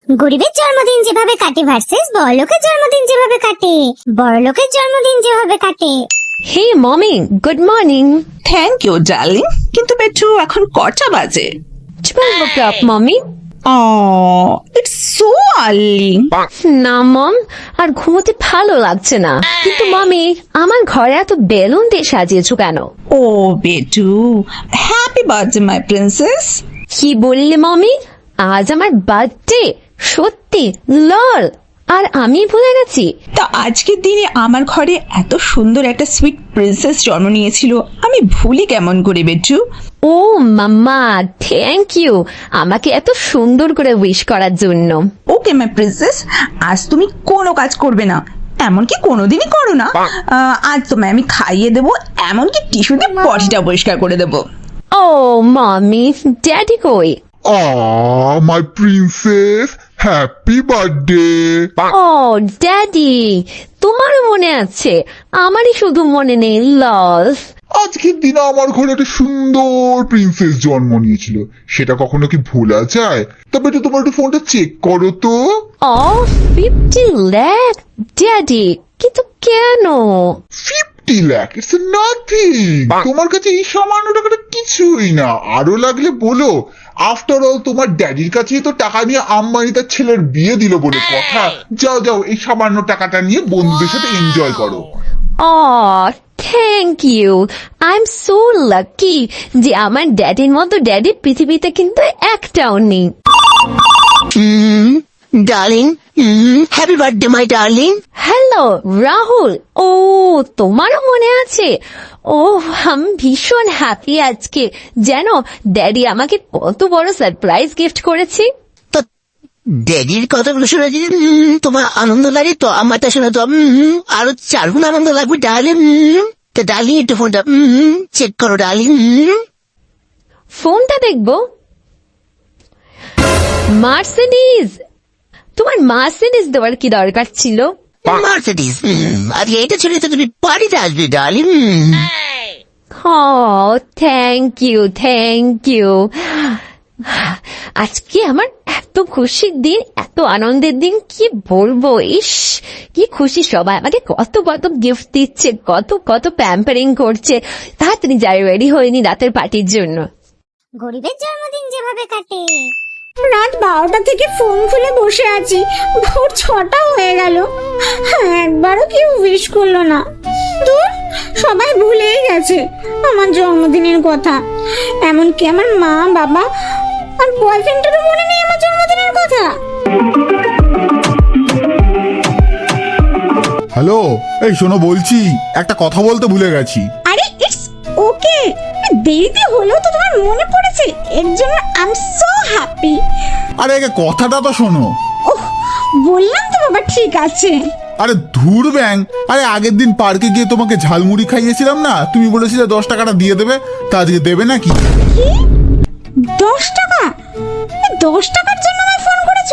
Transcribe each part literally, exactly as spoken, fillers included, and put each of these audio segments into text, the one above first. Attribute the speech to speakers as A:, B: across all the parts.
A: গরিবের জন্মদিন যেভাবে কাটে ভার্সেস বড়লোকের জন্মদিন যেভাবে কাটে, বড়লোকের জন্মদিন যেভাবে কাটে।
B: Hey mummy, good morning.
C: Thank you darling, কিন্তু বেটু এখন কটা বাজে?
B: Twelve o'clock mummy.
C: Oh, it's so early.
B: না মম, আর ঘুমোতে ভালো লাগছে না। কিন্তু মমি, আমার ঘরে এত বেলুন দিয়ে সাজিয়েছো কেন?
C: Oh, বেটু, হ্যাপি বার্থডে মাই প্রিন্সেস।
B: কি বললে মমি? আজ আমার বার্থডে? সত্যি? লল, আর আমি ভুলে গেছি।
C: তা আজকের দিনে আমার ঘরে এত সুন্দর একটা সুইট প্রিন্সেস জন্ম নিয়েছিল, আমি ভুলি কেমন করে বেটু?
B: ও মাম্মা, থ্যাংক ইউ আমাকে এত সুন্দর করে উইশ করার জন্য।
C: ওকে মাই প্রিন্সেস, আজ তুমি কোনো কাজ করবে না, এমনকি কোনোদিনই করো না। আহ, আজ তোমায় আমি খাইয়ে দেবো, এমনকি টিস্যু দিয়ে পটিটা পরিষ্কার করে দেবো।
B: ও মামি, ড্যাডি কই?
D: Aw, my princess, happy birthday!
B: Oh daddy, তোমারও মনে আছে, আমারই শুধু মনে নেই। লস।
D: আজকের দিনে আমার ঘরে একটা সুন্দর প্রিন্সেস জন্ম নিয়েছিল, সেটা কখনো কি ভোলা যায়? তবে একটু তোমার একটু ফোনটা চেক করো তো।
B: ও ফিফটি লাখ ড্যাডি, কিন্তু কেন?
D: Fifty lakh it's nothing. তোমার কাছে এই সামান্য টাকাটা কিছুই না, আরো লাগলে বলো। আফটার অল তোমার ড্যাডির কাছেই তো টাকা নিয়ে আম্বানি তার ছেলের বিয়ে দিল বলে কথা। যাও যাও, এই সামান্য টাকাটা নিয়ে বন্ধুদের সাথে এনজয় করো।
B: Oh thank you, I am so lucky যে আমার ড্যাডির মতো ড্যাডি পৃথিবীতে কিন্তু একটাও নেই।
E: Darling, happy birthday my darling.
B: Hello Rahul, oh তোমারও মনে আছে? ও আমি ভীষণ হ্যাপি আজকে, যেন ড্যাডি আমাকে কত বড় সারপ্রাইজ গিফট করেছে।
E: তো ড্যাডির কথাগুলো শুনে যদি উম, তোমার আনন্দ লাগে, তো আমারটা শুনে তো উম, আরো চারগুণ আনন্দ লাগবে ডার্লিং। তো ডার্লিং একটু ফোনটা চেক করো ডার্লিং।
B: ফোনটা দেখবো। মার্সিডিজ, তোমার মার্সিডিজ দেওয়ার কি দরকার ছিল?
E: মার্সিডিজ, আর এইটা ছেড়ে তো তুমি বাড়িতে আসবে darling.
B: Oh thank you thank you. আজকে আমার এত খুশির দিন, এত আনন্দের দিন, কি বলবো। ইস কি খুশি, সবাই আমাকে কত কত গিফট দিচ্ছে, কত কত প্যাম্পারিং করছে। তাড়াতাড়ি যাই, রেডি হয়নি রাতের পার্টির জন্য।
A: গরিবের জন্মদিন যেভাবে কাটে।
F: রাত বারোটা থেকে ফোন খুলে বসে আছি, ভোর ছটা হয়ে গেল, একবারও কেউ উইশ করলো না। দূর, সবাই ভুলেই গেছে আমার জন্মদিনের কথা। এমনকি আমার মা বাবা আর বয়ফ্রেন্ডেরও মনে নেই আমার জন্মদিনের কথা।
G: হ্যালো, এই শোনো, বলছি একটা কথা বলতে ভুলে গেছি।
F: আরে ইটস ওকে, দেরিতে হলেও তো তোমার মনে পড়েছে, এর জন্য আই এম সো হ্যাপি।
G: আরে আগে কথাটা তো শোনো।
F: ওহ, বললাম তো বাবা, ঠিক আছে।
G: আরে ধুর ব্যাং, আরে আগের দিন পার্কে গিয়ে তোমাকে ঝালমুড়ি খাইয়েছিলাম না, তুমি বলেছিলে দশ টাকাটা দিয়ে দেবে, তা আজকে দেবে নাকি?
F: কি দশ টাকা? এই দশ টাকার জন্য আমায় ফোন করেছো?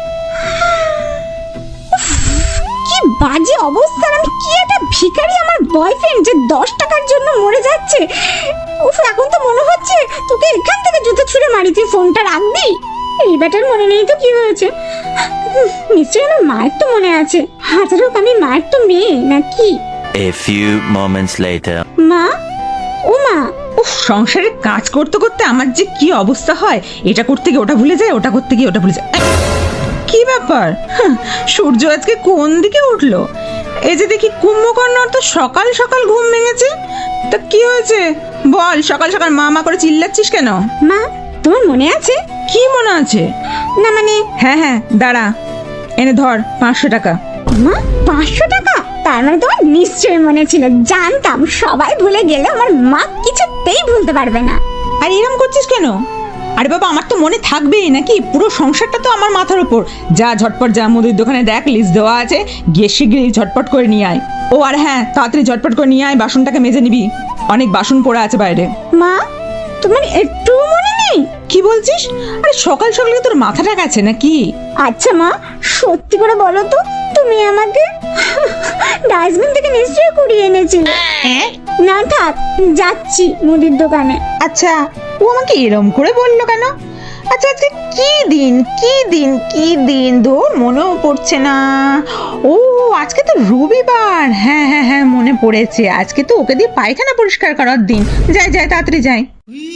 F: উফ, কি বাজে অবস্থা, আমি কি একটা ভিখারি আমার বয়ফ্রেন্ড যে দশ টাকার জন্য মরে যাচ্ছে। উফ, এখন তো মনে হচ্ছে তোকে এখান থেকে জুতো ছুঁড়ে মারি, তুই ফোনটা রাখবি। এই ব্যাটার মনে নেই তো কি হয়েছে, নিশ্চয়ই আমার মায়ের তো মনে আছে। হাজার হোক আমি মায়ের তো মেয়ে নাকি।
H: A few moments later.
F: মা, ও মা।
C: উফ, সংসারে কাজ করতে করতে আমার যে কি অবস্থা হয়, এটা করতে গিয়ে ওটা ভুলে যায়, ওটা করতে গিয়ে ওটা ভুলে যায়। কি ব্যাপার, হাহ, সূর্য আজকে কোন দিকে উঠলো? এই যে দেখি কুম্ভকর্ণর তো সকাল সকাল ঘুম ভেঙেছে। তা কি হয়েছে বল, সকাল সকাল মা মা করে চিল্লাচ্ছিস কেন?
F: মা, তোমার মনে আছে?
C: কি মনে আছে?
F: না মানে,
C: হ্যাঁ হ্যাঁ দাঁড়া, এনে ধর পাঁচশো টাকা।
F: মা পাঁচশো টাকা? তার মানে তোমার নিশ্চয়ই মনে ছিল, জানতাম সবাই ভুলে গেলে আমার মা কিছুতেই ভুলতে পারবে না।
C: আর এরম করছিস কেন? আরে বাবা, আমার তো মনে থাকবেই নাকি, পুরো সংসারটা তো আমার মাথার উপর। যা ঝটপট যা, মুদির দোকানে দেখ লিস্ট দেওয়া আছে, গিয়ে শিগগিরই ঝটপট করে নিয়ে আয়। ও আর হ্যাঁ, তাড়াতাড়ি ঝটপট করে নিয়ে আয়, বাসনটাকে মেজে নিবি, অনেক বাসন পড়ে আছে বাইরে।
F: মা, তোমার একটু মনে নেই?
C: কি বলছিস? আরে সকাল সকালে তোর মাথাটা গেছে নাকি?
F: আচ্ছা মা, সত্যি করে বলো তো, তুমি আমাকে ডাস্টবিন থেকে নিশ্চয়ই কুড়িয়ে এনেছিলে। না থাক, যাচ্ছি মুদির দোকানে।
C: আচ্ছা, ও আমাকে এরম করে বললো কেন? আচ্ছা আজকে কি দিন কি দিন কি দিন ধর মনেও পড়ছে না। ও আজকে তো রবিবার, হ্যাঁ হ্যাঁ হ্যাঁ মনে পড়েছে, আজকে তো ওকে দিয়ে পায়খানা পরিষ্কার করার দিন। যাই যাই তাড়াতাড়ি যাই।